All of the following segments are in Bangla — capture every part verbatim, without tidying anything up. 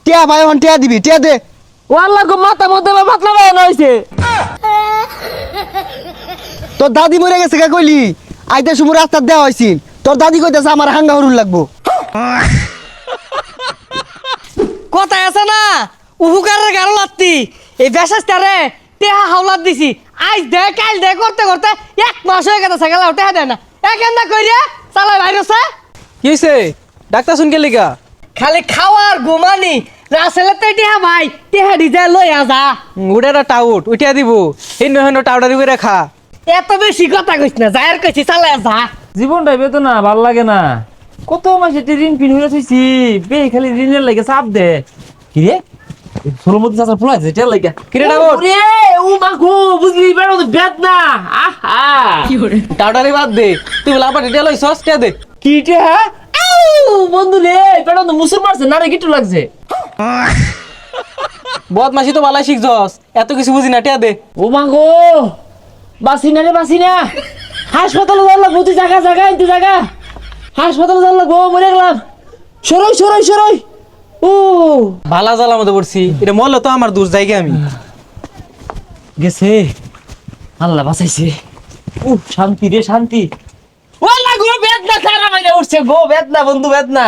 টিয়া ভাই হন টিয়া দিবি টিয়া দে। ওয়াল্লাহ গো মাথা মধ্যে পাতলা বানানো হইছে। তোর দাদি মরে গেছে কে কইলি? আইতে সময় রাস্তা দেওয়া হইছিন, তোর দাদি কইতেছে আমার হাঙ্গা হরুন লাগবো। কথা আছে না উহুকারের গারো লাত্তি এই বেশাস্তারে টেহা হাওলাত দিছি আজ দে কাল দে করতে করতে এক মাস হয়ে গেছে সাইকেল টেহা দেয় না একেন্দা কইরে চালাই ভাইরসে কি হইছে? ডাক্তার শুন কে লিগা? খালি খাওয়ার ঘুমানি রাসেলে তো টেহা ভাই টেহা ডিজে লইয়া যা উড়াটা টাউট উঠিয়া দিব হিন্দু হিন্দু টাউটারি করে খা। এত বেশি কথা কইছ না যায়ের কইছি চালাই যা। জীবনটাই বেদনা ভাল লাগে না। কত মাসে ঋণ পিন হয়ে থইছি বে খালি ঋণের লাগে চাপ দে। কি রে সোলমতি চাচা ফুলাই আছে তেল লাগে কি রে ডাবর রে ও মা গো বুঝলি বেড়ো তো বেদনা আহা কি করে টাউটারি বাদ দে তুই বলা আবার তেল হইছস কে দে কি রে হ্যাঁ আউ বন্ধু রে বেড়ো তো মুসুর মারছে না রে গিটু লাগছে বদমাশি তো ভালাই শিখছস এত কিছু বুঝি না টিয়া দে। ও মা গো বাসি না রে বাসি না হাসপাতালে যাওয়ার লাগবো তুই জায়গা জায়গা তুই জায়গা হাসপাতালে যাওয়ার লাগবো মরে গেলাম সরই সরই সরই ও ভালা জ্বালার মধ্যে পড়ছি এটা মরলে তো আমার দূর জায়গা আমি গেছে আল্লাহ বাঁচাইছে ও শান্তি রে শান্তি ওলা গো বেদনা সারা মাইনে উঠছে গো বেদনা বন্ধু বেদনা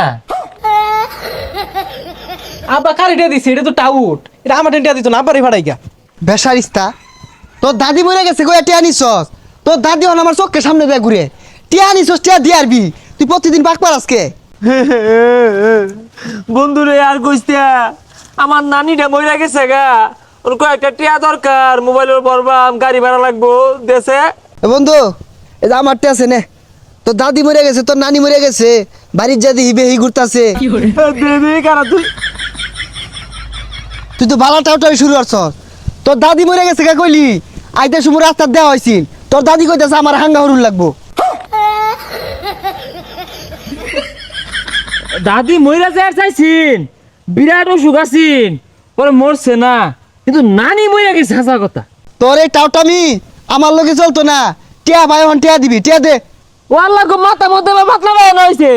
আবা কারিটা দিছে এটা তো টাউট এটা আমার টেন্টা দিত না আবারই ফাড়াই গা বেসারিস্তা তোর দাদি মরে গেছে কই টিয়া নিছস? তোর দাদি হন আমার চোখের সামনে দিয়ে ঘুরে টিয়া নিছস টিয়া দিয়ে আরবি তুই প্রতিদিন পাক পার আজকে। বন্ধু রে আর কইস্তা আমার নানিটা মইরা গেছে গা ওর কয়েকটা টিয়া দরকার মোবাইলের বরবাম গাড়ি ভাড়া লাগবো দেশে। এ বন্ধু এই যে আমার টিয়া আছে নে, তোর দাদি মরে গেছে তোর নানি মরে গেছে বাড়ির যাদি হিবে হি ঘুরতাছে কারা তুই তুই তো বালা টাউটারি শুরু করছস। তোর দাদি মরে গেছে কে কইলি? আইতে সময় রাস্তা দেওয়া হইছিন, তোর দাদি কইতেছে আমার হাঙ্গা হরুন লাগবো। দাদি মইরা যায় চাইছিন বিরাট অসুখ আছিন পরে মরছে না কিন্তু নানি মইরা গেছে হাসা কথা। তোর এই টাউটামি আমার লগে চলতো না। টিয়া ভাই হন টিয়া দিবি টিয়া দে। ওয়াল্লাহ গো মাথা মধ্যে পাতলা বানানো হইছে।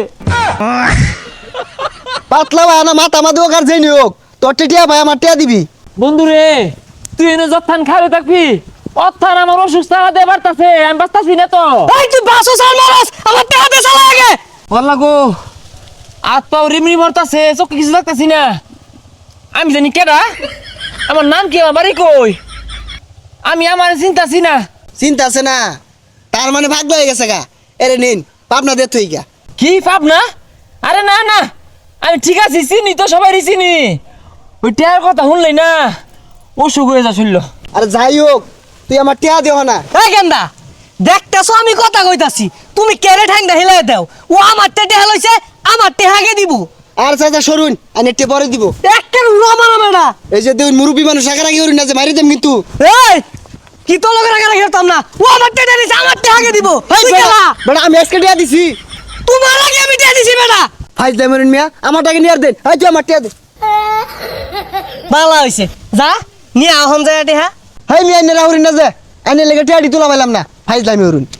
পাতলা ভাই না মাথা মাদু কার যেই হোক তোর টিয়া ভাই আমার টিয়া দিবি। বন্ধু রে তুই এনে যত্থান খাবে থাকবি অত্থান আমার অসুখ টাকা দিয়ে বাড়তাছে আমি বাঁচতাছি না তো। এই তুই বাসো সাল মারাস আমার টেহা দে চালাই আগে। ওয়াল্লাহ গো হাত পাও রিমরি ভরতাছে চোখে কিছু লাগতাছি না। আমি জানি কেডা আমার নাম কি আমার বাড়ি কই আমি আমার চিন্তাছি না। চিন্তা আছে না তার মানে ভাগ্য হয়ে গেছে গা। এরে নিন পাবনা দে তুই গা। কি পাপ না? আরে না না আমি ঠিক আছি চিনি তো সবাই চিনি ওই টেয়ার কথা শুনলেই না অসুখ হয়ে যা শুনল। আরে যাই হোক তুই আমার টিয়া দেহ না। এই গেন্দা দেখতেছো আমি কথা কইতাছি তুমি কেড়ে ঠ্যাংটা হিলাই দাও ও আমার টেহা লইছে আমার টেহাকে দিব। আর চাচা সরুন আমি একটু পরে দিব। একটা রমা রমেডা এই যে তুই মুরব্বী মানুষ আগে হরুন না যে মারি দেম কিন্তু। এই কি তো লোকের আগে রাখতাম না ও আমার টেহা দিছে আমার টেহাকে দিব। এই তুই বেটা গেলা বেটা আমি আজকে টিয়া দিছি তোমার আগে আমি টেহা দিছি বেটা। ফাইজ দে মরুন মিয়া আমার টাকা নিয়ে আর দেন। এই তুই আমার টিয়া দে। ভালো হইছে যা নিয়ে আহম যায় টেহা। হেই মিয়া এনে রাহুরিন না যে এনে লেগে টিয়া দি তোলা পাইলাম না ফাইজ দামি হরুন।